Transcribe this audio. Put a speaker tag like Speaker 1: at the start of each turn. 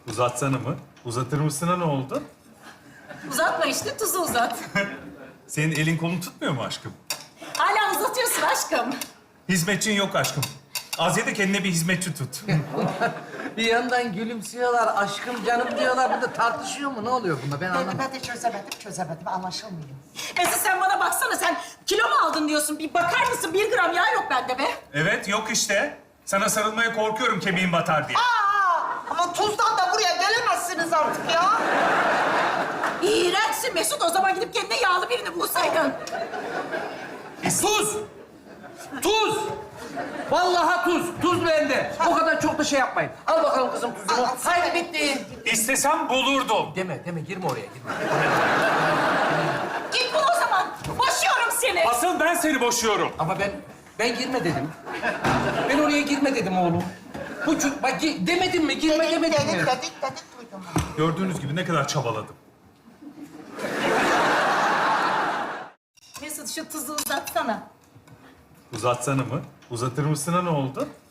Speaker 1: Uzatsana mı? Uzatır mısına ne oldu?
Speaker 2: Uzatma işte, tuzu uzat.
Speaker 1: Senin elin kolun tutmuyor mu aşkım?
Speaker 2: Hala uzatıyorsun aşkım.
Speaker 1: Hizmetçin yok aşkım. Az ye de kendine bir hizmetçi tut.
Speaker 3: Bir yandan gülümsüyorlar, aşkım canım diyorlar. Burada tartışıyor mu? Ne oluyor bunda? Ben anlamadım.
Speaker 4: Ben de çözemedim. Anlaşılmıyor.
Speaker 2: Mesut sen bana baksana, sen kilo mu aldın diyorsun? Bir bakar mısın? 1 gram yağ yok bende be.
Speaker 1: Evet, yok işte. Sana sarılmaya korkuyorum kemiğin batar diye.
Speaker 4: Ama tuzdan da buraya gelemezsiniz artık ya.
Speaker 2: İğrençsin Mesut. O zaman gidip kendine yağlı birini bulsaydın.
Speaker 3: Tuz! Tuz! Vallahi tuz. Tuz bende. O kadar çok da şey yapmayın. Al bakalım kızım tuzunu. Haydi bitti.
Speaker 1: İstesem bulurdum.
Speaker 3: Deme, girme oraya, girme.
Speaker 2: Git bul o zaman. Boşuyorum seni.
Speaker 1: Asıl ben seni boşuyorum.
Speaker 3: Ama ben girme dedim. Ben oraya girme dedim oğlum. Bak demedim mi? Girme demedim mi?
Speaker 4: Dedik duydum.
Speaker 1: Gördüğünüz gibi ne kadar çabaladım.
Speaker 2: Mesut şu tuzu uzatsana.
Speaker 1: Uzatsana mı? Uzatır mısına ne oldu?